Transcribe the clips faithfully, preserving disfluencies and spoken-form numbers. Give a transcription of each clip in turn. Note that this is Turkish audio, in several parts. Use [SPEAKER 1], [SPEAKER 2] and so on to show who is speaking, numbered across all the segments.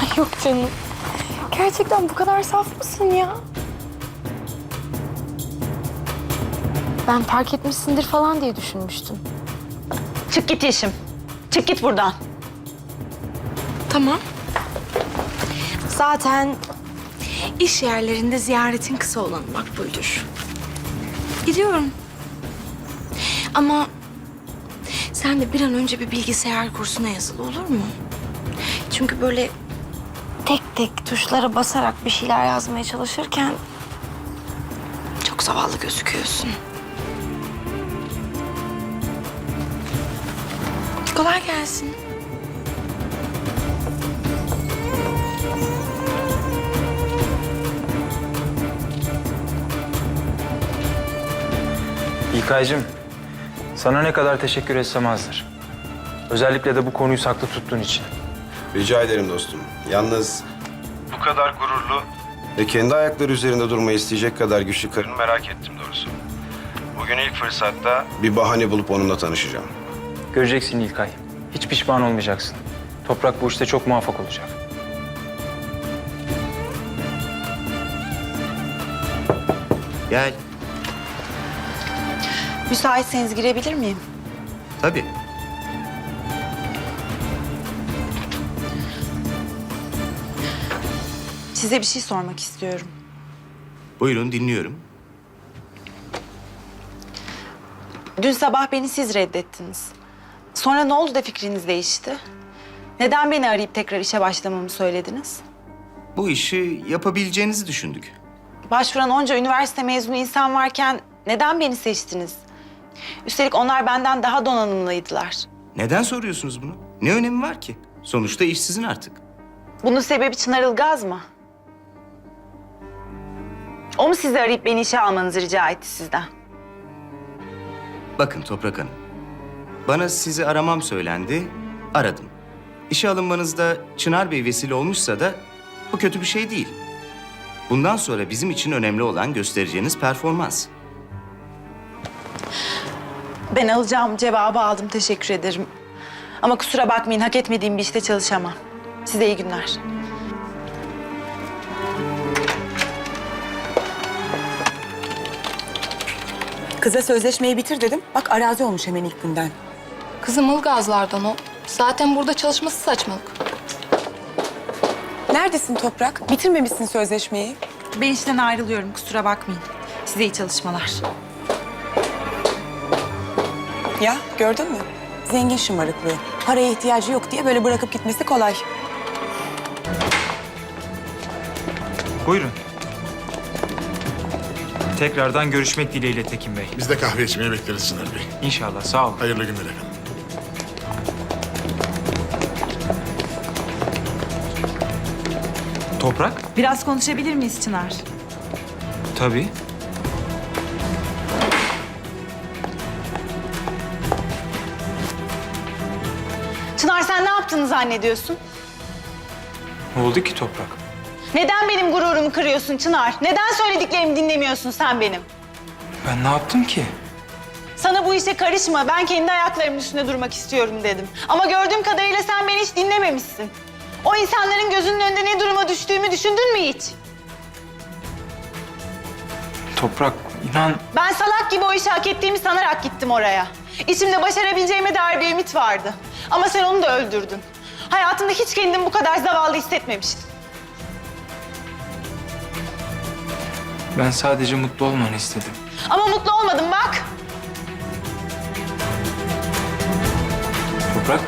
[SPEAKER 1] Yok canım. Gerçekten bu kadar saf mısın ya? Ben fark etmişsindir falan diye düşünmüştüm.
[SPEAKER 2] Çık git Yeşim. Çık git buradan.
[SPEAKER 1] Tamam. Zaten iş yerlerinde ziyaretin kısa olan makbuldür. Gidiyorum. Ama sen de bir an önce bir bilgisayar kursuna yazıl, olur mu? Çünkü böyle tek tek tuşlara basarak bir şeyler yazmaya çalışırken çok zavallı gözüküyorsun. Kolay gelsin.
[SPEAKER 3] İlkaycığım, sana ne kadar teşekkür etsem azdır. Özellikle de bu konuyu saklı tuttuğun için.
[SPEAKER 4] Rica ederim dostum. Yalnız
[SPEAKER 3] Bu kadar gururlu.
[SPEAKER 4] ve kendi ayakları üzerinde durmayı isteyecek kadar güçlü karını merak ettim doğrusu.
[SPEAKER 3] Bugün ilk fırsatta
[SPEAKER 4] Bir bahane bulup onunla tanışacağım.
[SPEAKER 3] göreceksin İlkay. Hiç pişman olmayacaksın. Toprak bu işte çok muvaffak olacak.
[SPEAKER 5] Gel.
[SPEAKER 2] Müsaitseniz girebilir miyim?
[SPEAKER 5] Tabii.
[SPEAKER 2] Size bir şey sormak istiyorum.
[SPEAKER 5] Buyurun dinliyorum.
[SPEAKER 2] Dün sabah beni siz reddettiniz. Sonra ne oldu da fikriniz değişti? Neden beni arayıp tekrar işe başlamamı söylediniz?
[SPEAKER 5] Bu işi yapabileceğinizi düşündük.
[SPEAKER 2] Başvuran onca üniversite mezunu insan varken neden beni seçtiniz? Üstelik onlar benden daha donanımlıydılar.
[SPEAKER 5] Neden soruyorsunuz bunu? Ne önemi var ki? Sonuçta iş sizin artık.
[SPEAKER 2] Bunun sebebi Çınar Ilgaz mı? O mu sizi arayıp beni işe almanızı rica etti sizden?
[SPEAKER 5] Bakın Toprak Hanım. Bana sizi aramam söylendi, aradım. İşe alınmanızda Çınar Bey vesile olmuşsa da bu kötü bir şey değil. Bundan sonra bizim için önemli olan göstereceğiniz performans.
[SPEAKER 2] Ben alacağım cevabı aldım, teşekkür ederim. Ama kusura bakmayın, hak etmediğim bir işte çalışamam. Size iyi günler.
[SPEAKER 6] Kıza sözleşmeyi bitir dedim. Bak arazi olmuş hemen ilk günden.
[SPEAKER 7] Kızım Ilgazlardan o. Zaten burada çalışması saçmalık.
[SPEAKER 6] Neredesin Toprak? Bitirmemişsin sözleşmeyi.
[SPEAKER 2] Ben işten ayrılıyorum, kusura bakmayın. Size iyi çalışmalar.
[SPEAKER 6] Ya gördün mü? Zengin şımarıklığı. Paraya ihtiyacı yok diye böyle bırakıp gitmesi kolay.
[SPEAKER 3] Buyurun. Tekrardan görüşmek dileğiyle Tekin Bey.
[SPEAKER 8] Biz de kahve içmeye bekleriz Çınar Bey.
[SPEAKER 3] İnşallah, sağ olun.
[SPEAKER 8] Hayırlı günler efendim.
[SPEAKER 3] Toprak?
[SPEAKER 2] Biraz konuşabilir miyiz Çınar?
[SPEAKER 3] Tabii.
[SPEAKER 2] Çınar, sen ne yaptığını zannediyorsun?
[SPEAKER 3] Ne oldu ki Toprak?
[SPEAKER 2] Neden benim gururumu kırıyorsun Çınar? Neden söylediklerimi dinlemiyorsun sen benim?
[SPEAKER 3] Ben ne yaptım ki?
[SPEAKER 2] Sana bu işe karışma, ben kendi ayaklarımın üstünde durmak istiyorum dedim. Ama gördüğüm kadarıyla sen beni hiç dinlememişsin. O insanların gözünün önünde ne duruma düştüğümü düşündün mü hiç?
[SPEAKER 3] Toprak, inan...
[SPEAKER 2] Ben salak gibi o işi hak ettiğimi sanarak gittim oraya. İçimde başarabileceğime dair bir ümit vardı. Ama sen onu da öldürdün. Hayatımda hiç kendimi bu kadar zavallı hissetmemiştim.
[SPEAKER 3] Ben sadece mutlu olmanı istedim.
[SPEAKER 2] Ama mutlu olmadım bak.
[SPEAKER 3] Toprak?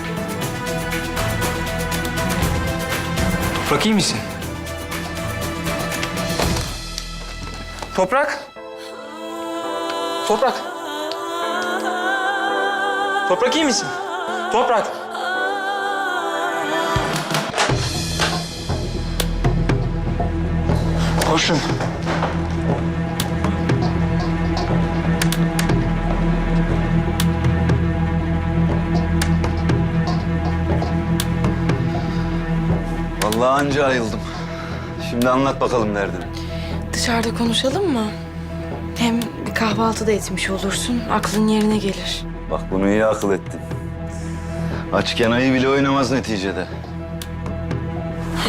[SPEAKER 3] Toprak, iyi misin? Toprak? Toprak? Toprak, iyi misin? Toprak? Koşun.
[SPEAKER 9] Vallahi anca ayıldım. Şimdi anlat bakalım derdini.
[SPEAKER 1] Dışarıda konuşalım mı? Hem bir kahvaltı da etmiş olursun, aklın yerine gelir.
[SPEAKER 9] Bak bunu iyi akıl ettin. Açken ayı bile oynamaz neticede.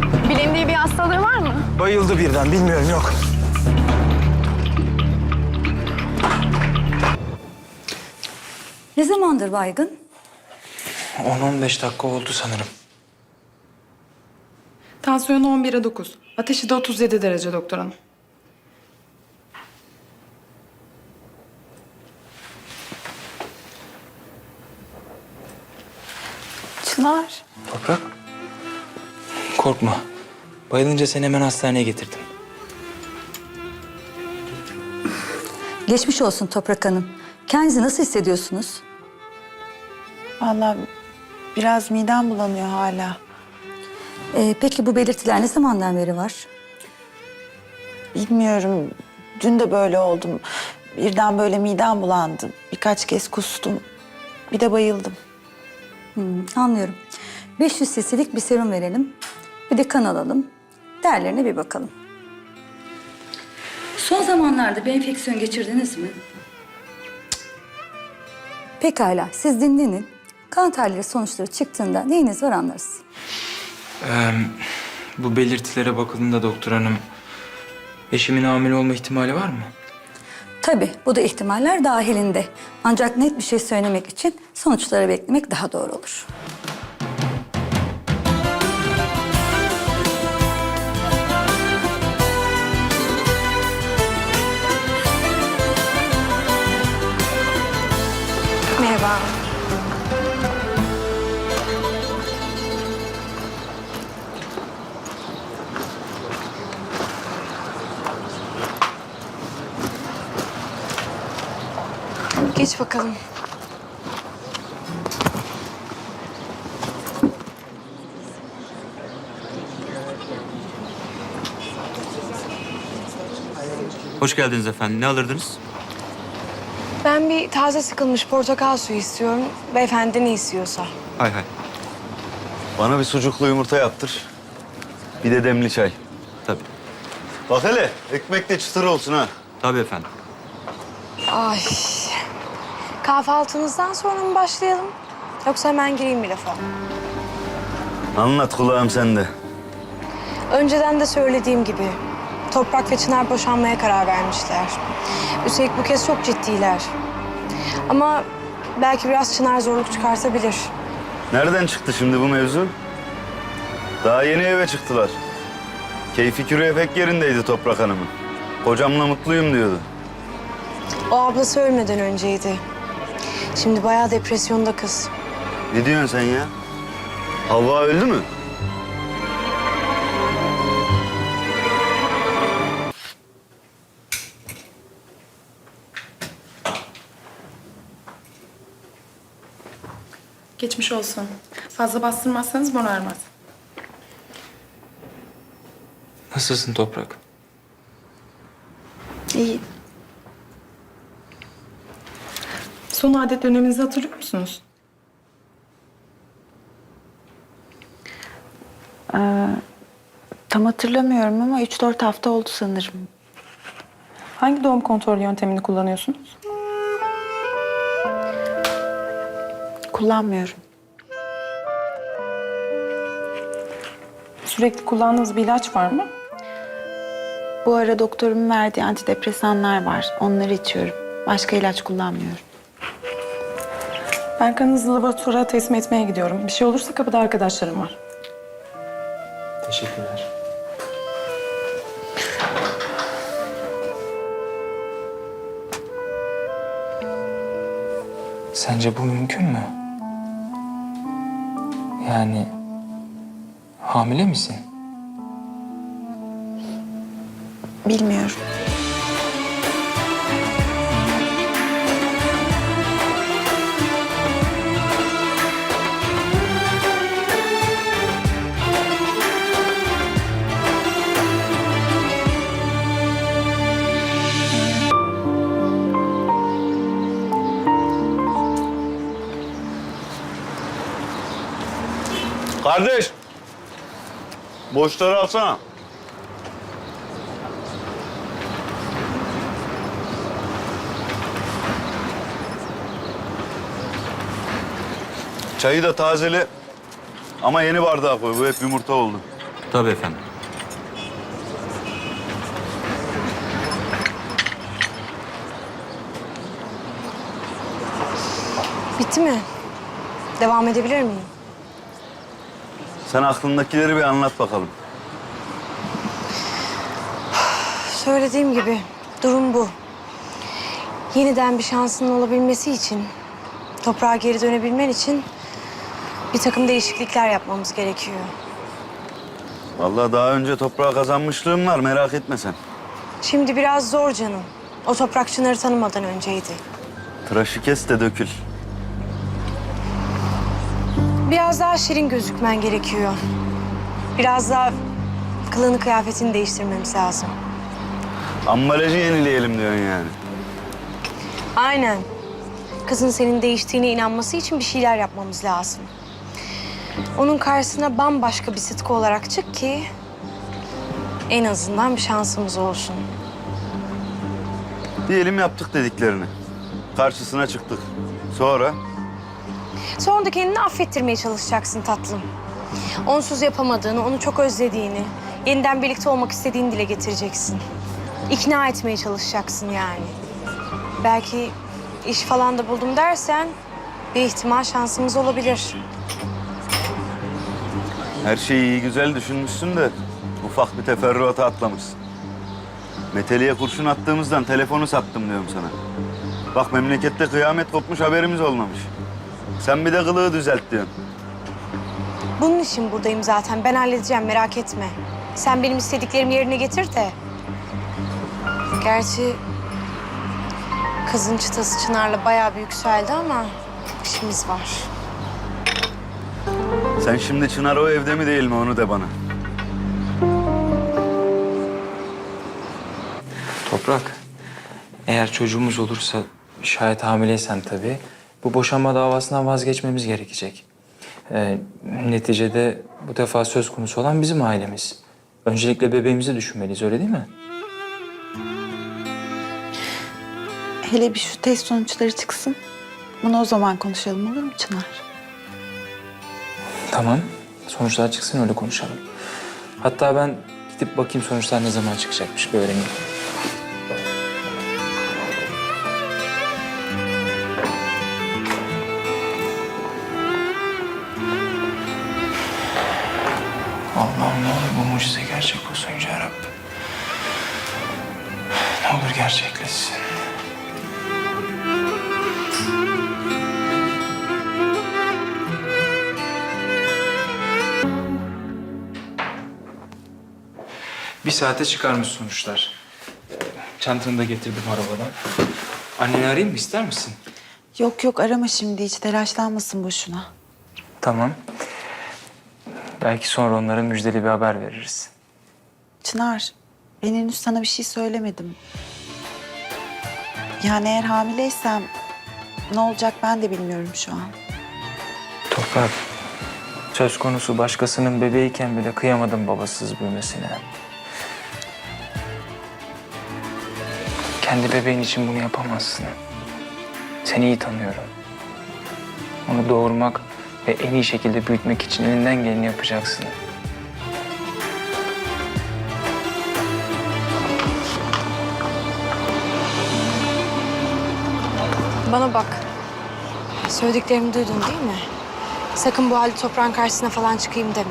[SPEAKER 7] Bilindiği bir hastalığı var mı?
[SPEAKER 3] Bayıldı birden, bilmiyorum, yok.
[SPEAKER 10] Ne zamandır baygın?
[SPEAKER 3] on on beş dakika oldu sanırım.
[SPEAKER 11] Tansiyonu on bire dokuz. Ateşi de otuz yedi derece doktor hanım.
[SPEAKER 6] Çınar.
[SPEAKER 3] Toprak. Korkma. Bayılınca seni hemen hastaneye getirdim.
[SPEAKER 10] Geçmiş olsun Toprak Hanım. Kendinizi nasıl hissediyorsunuz?
[SPEAKER 6] Vallahi biraz midem bulanıyor hala.
[SPEAKER 10] Ee, peki bu belirtiler ne zamandan beri var?
[SPEAKER 6] Bilmiyorum. Dün de böyle oldum. Birden böyle midem bulandı. Birkaç kez kustum. Bir de bayıldım.
[SPEAKER 10] Hmm, anlıyorum. beş yüz cc'lik bir serum verelim. Bir de kan alalım. Değerlerine bir bakalım. Son zamanlarda bir enfeksiyon geçirdiniz mi? Cık. Pekala, siz dinlenin. Kan tahlili sonuçları çıktığında neyiniz var anlarız.
[SPEAKER 3] Ee, bu belirtilere bakıldığında doktor hanım, eşimin hamile olma ihtimali var mı?
[SPEAKER 10] Tabii, bu da ihtimaller dahilinde. Ancak net bir şey söylemek için sonuçları beklemek daha doğru olur.
[SPEAKER 1] Merhaba. Geç bakalım.
[SPEAKER 5] Hoş geldiniz efendim. Ne alırdınız?
[SPEAKER 1] Ben bir taze sıkılmış portakal suyu istiyorum. Beyefendi ne istiyorsa.
[SPEAKER 5] Hay hay.
[SPEAKER 9] Bana bir sucuklu yumurta yaptır. Bir de demli çay.
[SPEAKER 5] Tabii.
[SPEAKER 9] Bak hele ekmek de çıtır olsun ha.
[SPEAKER 5] Tabii efendim.
[SPEAKER 1] Ay. Kahvaltımızdan sonra mı başlayalım? Yoksa hemen gireyim bir lafa.
[SPEAKER 9] Anlat kulağım sende.
[SPEAKER 1] Önceden de söylediğim gibi Toprak ve Çınar boşanmaya karar vermişler. Üstelik bu kez çok ciddiler. Ama belki biraz Çınar zorluk çıkartabilir.
[SPEAKER 9] Nereden çıktı şimdi bu mevzu? Daha yeni eve çıktılar. Keyfi küreye pek yerindeydi Toprak Hanım'ın. Kocamla mutluyum diyordu.
[SPEAKER 1] O ablası ölmeden önceydi. Şimdi bayağı depresyonda kız.
[SPEAKER 9] Ne diyorsun sen ya? Havva öldü mü?
[SPEAKER 11] Geçmiş olsun. Fazla bastırmazsanız morarmaz.
[SPEAKER 3] Nasılsın Toprak?
[SPEAKER 6] İyi.
[SPEAKER 11] Son adet döneminizi hatırlıyor musunuz?
[SPEAKER 6] Tam hatırlamıyorum ama üç dört hafta oldu sanırım.
[SPEAKER 11] Hangi doğum kontrol yöntemini kullanıyorsunuz?
[SPEAKER 6] Kullanmıyorum.
[SPEAKER 11] Sürekli kullandığınız bir ilaç var mı?
[SPEAKER 6] Bu ara doktorumun verdiği antidepresanlar var. Onları içiyorum. Başka ilaç kullanmıyorum.
[SPEAKER 11] Ben kanınızı laboratuvara teslim etmeye gidiyorum. Bir şey olursa kapıda arkadaşlarım var.
[SPEAKER 3] Teşekkürler. Sence bu mümkün mü? Yani hamile misin?
[SPEAKER 6] Bilmiyorum.
[SPEAKER 9] Kardeş. Boşları alsana. Çayı da tazeli. Ama yeni bardağa koy. Bu hep yumurta oldu. Tabii efendim.
[SPEAKER 1] Bitti mi? Devam edebilir miyim?
[SPEAKER 9] Sen aklındakileri bir anlat bakalım.
[SPEAKER 1] Söylediğim gibi durum bu. Yeniden bir şansının olabilmesi için, toprağa geri dönebilmen için bir takım değişiklikler yapmamız gerekiyor.
[SPEAKER 9] Vallahi daha önce toprağa kazanmışlığım var, merak etme sen.
[SPEAKER 1] Şimdi biraz zor canım. O toprak Çınar'ı tanımadan önceydi.
[SPEAKER 9] Tıraşı kes de dökül.
[SPEAKER 1] Biraz daha şirin gözükmen gerekiyor. Biraz daha kılığını kıyafetini değiştirmemiz lazım.
[SPEAKER 9] Ambalajı yenileyelim diyorsun yani.
[SPEAKER 1] Aynen. Kızın senin değiştiğine inanması için bir şeyler yapmamız lazım. Onun karşısına bambaşka bir Sıtkı olarak çık ki en azından bir şansımız olsun.
[SPEAKER 9] Diyelim yaptık dediklerini. Karşısına çıktık. Sonra?
[SPEAKER 1] Sonra da kendini affettirmeye çalışacaksın tatlım. Onsuz yapamadığını, onu çok özlediğini, yeniden birlikte olmak istediğini dile getireceksin. İkna etmeye çalışacaksın yani. Belki iş falan da buldum dersen bir ihtimal şansımız olabilir.
[SPEAKER 9] Her şeyi iyi güzel düşünmüşsün de ufak bir teferruata atlamışsın. Meteli'ye kurşun attığımızdan telefonu sattım diyorum sana. Bak memlekette kıyamet kopmuş, haberimiz olmamış. Sen bir de kılığı düzelt diyorsun.
[SPEAKER 1] Bunun için buradayım zaten. Ben halledeceğim, merak etme. Sen benim istediklerimi yerine getir de. Gerçi kızın çıtası Çınar'la bayağı bir yükseldi ama işimiz var.
[SPEAKER 9] Sen şimdi Çınar o evde mi değil mi onu de bana.
[SPEAKER 3] Toprak, eğer çocuğumuz olursa, şayet hamileysen tabii, bu boşanma davasından vazgeçmemiz gerekecek. Ee, neticede bu defa söz konusu olan bizim ailemiz. Öncelikle bebeğimizi düşünmeliyiz, öyle değil mi?
[SPEAKER 6] Hele bir şu test sonuçları çıksın. Bunu o zaman konuşalım, olur mu Çınar?
[SPEAKER 3] Tamam, sonuçlar çıksın öyle konuşalım. Hatta ben gidip bakayım sonuçlar ne zaman çıkacakmış, bir öğreneyim. Allah'ım ne olur bu mucize gerçek olsun Yüce Rabbim. Ne olur gerçekleşsin. Bir saate çıkarmış sonuçlar. Çantanı da getirdim arabadan. Anneni arayayım mı, ister misin?
[SPEAKER 6] Yok yok, arama şimdi, hiç telaşlanmasın boşuna.
[SPEAKER 3] Tamam. Belki sonra onlara müjdeli bir haber veririz.
[SPEAKER 6] Çınar, ben henüz sana bir şey söylemedim. Yani eğer hamileysem ne olacak ben de bilmiyorum şu an.
[SPEAKER 3] Toprak, söz konusu başkasının bebeğiyken bile kıyamadım babasız büyümesine. Kendi bebeğin için bunu yapamazsın. Seni iyi tanıyorum. Onu doğurmak ve en iyi şekilde büyütmek için elinden geleni yapacaksın.
[SPEAKER 1] Bana bak. Söylediklerimi duydun değil mi? Sakın bu halde toprağın karşısına falan çıkayım deme.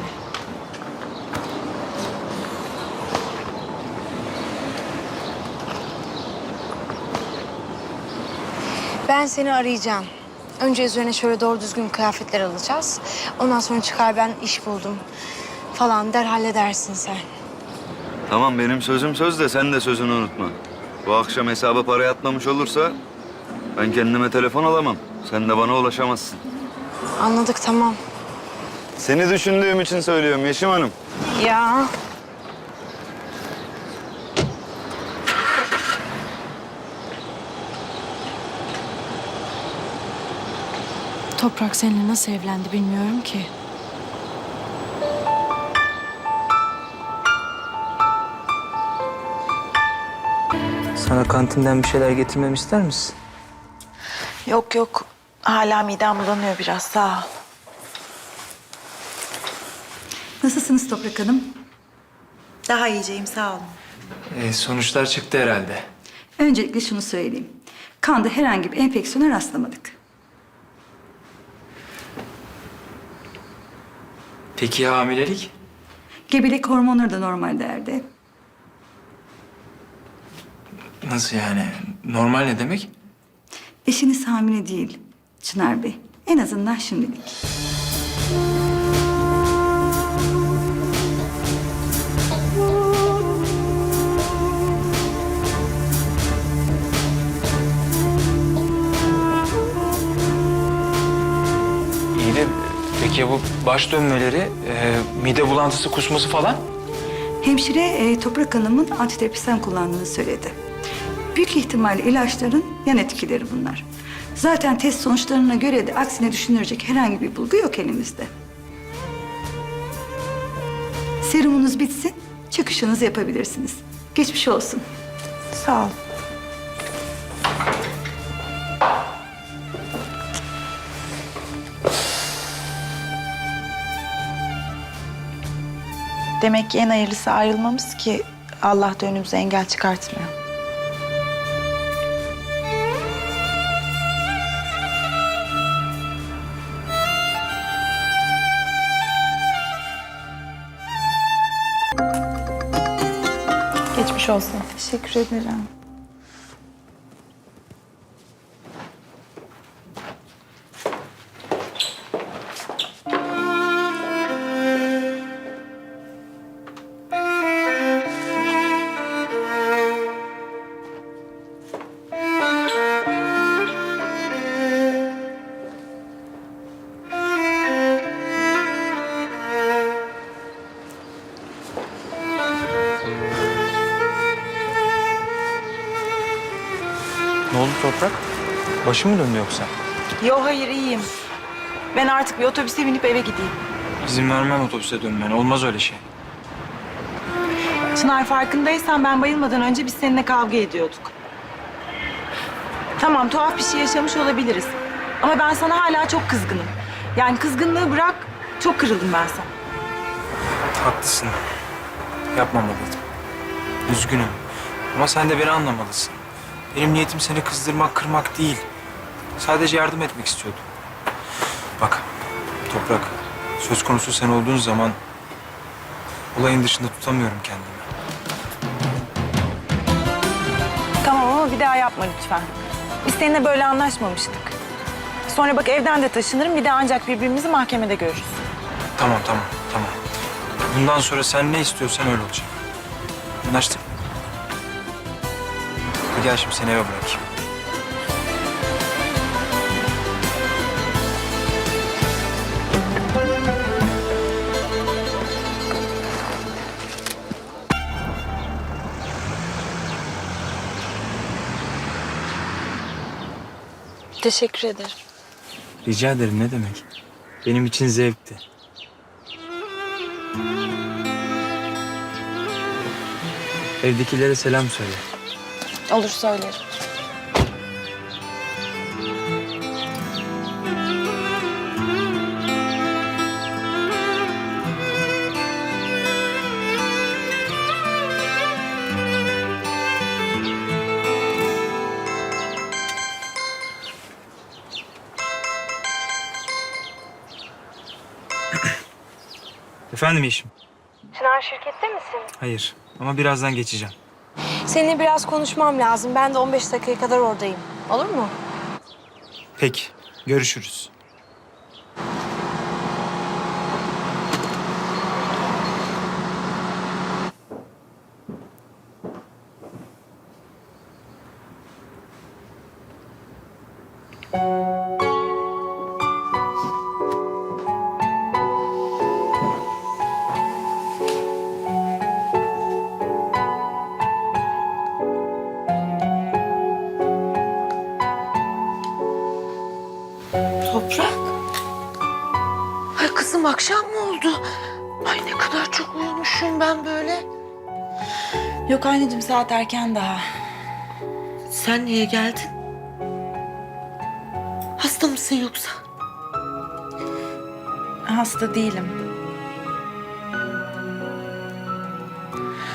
[SPEAKER 1] Ben seni arayacağım. Önce üzerine şöyle doğru düzgün kıyafetler alacağız. Ondan sonra çıkar ben iş buldum falan der halledersin sen.
[SPEAKER 9] Tamam, benim sözüm söz de sen de sözünü unutma. Bu akşam hesaba para yatmamış olursa ben kendime telefon alamam. Sen de bana ulaşamazsın.
[SPEAKER 1] Anladık, tamam.
[SPEAKER 9] Seni düşündüğüm için söylüyorum Yeşim Hanım.
[SPEAKER 1] Ya. Toprak seninle nasıl evlendi bilmiyorum ki.
[SPEAKER 3] Sana kantinden bir şeyler getirmemi ister misin?
[SPEAKER 6] Yok yok, hala midem bulanıyor biraz, sağ ol.
[SPEAKER 10] Nasılsınız Toprak Hanım?
[SPEAKER 6] Daha iyiceyim, sağ olun.
[SPEAKER 3] Ee, sonuçlar çıktı herhalde.
[SPEAKER 10] Öncelikle şunu söyleyeyim. Kanda herhangi bir enfeksiyona rastlamadık.
[SPEAKER 3] Peki ya hamilelik?
[SPEAKER 10] Gebelik hormonları da normal değerde.
[SPEAKER 3] Nasıl yani? Normal ne demek?
[SPEAKER 10] Eşiniz hamile değil Çınar Bey. En azından şimdilik.
[SPEAKER 3] İyi de peki ya bu baş dönmeleri, e, mide bulantısı, kusması falan?
[SPEAKER 10] Hemşire e, Toprak Hanım'ın antidepresan kullandığını söyledi. Büyük ihtimalle ilaçların yan etkileri bunlar. Zaten test sonuçlarına göre de aksine düşünülecek herhangi bir bulgu yok elimizde. Serumunuz bitsin, çıkışınızı yapabilirsiniz. Geçmiş olsun.
[SPEAKER 6] Sağ ol. Demek ki en hayırlısı ayrılmamız ki Allah da önümüze engel çıkartmıyor.
[SPEAKER 11] Geçmiş olsun.
[SPEAKER 6] Teşekkür ederim.
[SPEAKER 3] Ne oldu Toprak? Başı mı döndü yoksa?
[SPEAKER 2] Yo hayır iyiyim. Ben artık bir otobüse binip eve gideyim.
[SPEAKER 3] İzin vermem otobüse dönmene. Olmaz öyle şey.
[SPEAKER 2] Çınar farkındaysan ben bayılmadan önce biz seninle kavga ediyorduk. Tamam tuhaf bir şey yaşamış olabiliriz. Ama ben sana hala çok kızgınım. Yani kızgınlığı bırak, çok kırıldım ben sana.
[SPEAKER 3] Haklısın. Yapmamalıydım. Üzgünüm. Ama sen de beni anlamalısın. Benim niyetim seni kızdırmak, kırmak değil. Sadece yardım etmek istiyordum. Bak, Toprak, söz konusu sen olduğun zaman olayın dışında tutamıyorum kendimi.
[SPEAKER 2] Tamam ama bir daha yapma lütfen. Biz seninle böyle anlaşmamıştık. Sonra bak evden de taşınırım, bir de ancak birbirimizi mahkemede görürüz.
[SPEAKER 3] Tamam, tamam, tamam. Bundan sonra sen ne istiyorsan öyle olacak. Anlaştık mı? Hadi gel şimdi seni eve bırakayım.
[SPEAKER 2] Teşekkür ederim.
[SPEAKER 3] Rica ederim, ne demek? Benim için zevkti. Evdekilere selam söyle.
[SPEAKER 2] Olur söylerim.
[SPEAKER 3] Efendim Yeşim?
[SPEAKER 1] Çınar şirkette misin?
[SPEAKER 3] Hayır ama birazdan geçeceğim.
[SPEAKER 1] Seninle biraz konuşmam lazım. Ben de on beş dakikaya kadar oradayım. Olur mu?
[SPEAKER 3] Peki, görüşürüz.
[SPEAKER 1] Toprak. Ay kızım akşam mı oldu? Ay ne kadar çok uyumuşum ben böyle.
[SPEAKER 6] Yok anneciğim, saat erken daha.
[SPEAKER 1] Sen niye geldin? Hasta mısın yoksa?
[SPEAKER 6] Hasta değilim.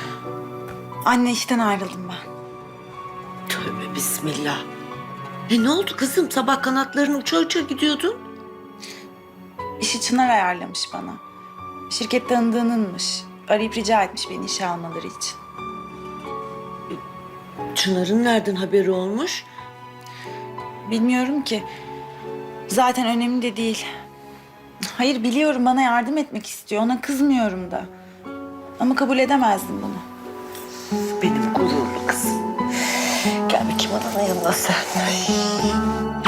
[SPEAKER 6] Anne işten ayrıldım ben.
[SPEAKER 12] Tövbe bismillah. E ne oldu kızım? Sabah kanatların uça uça gidiyordun.
[SPEAKER 6] İşi Çınar ayarlamış bana. Şirket tanıdığınınmış. Arayıp rica etmiş beni işe almaları için.
[SPEAKER 12] Çınar'ın nereden haberi olmuş?
[SPEAKER 6] Bilmiyorum ki. Zaten önemli de değil. Hayır biliyorum bana yardım etmek istiyor. Ona kızmıyorum da. Ama kabul edemezdim bunu.
[SPEAKER 12] Benim gururlu kızım. Gel bakayım ananın yanına sen.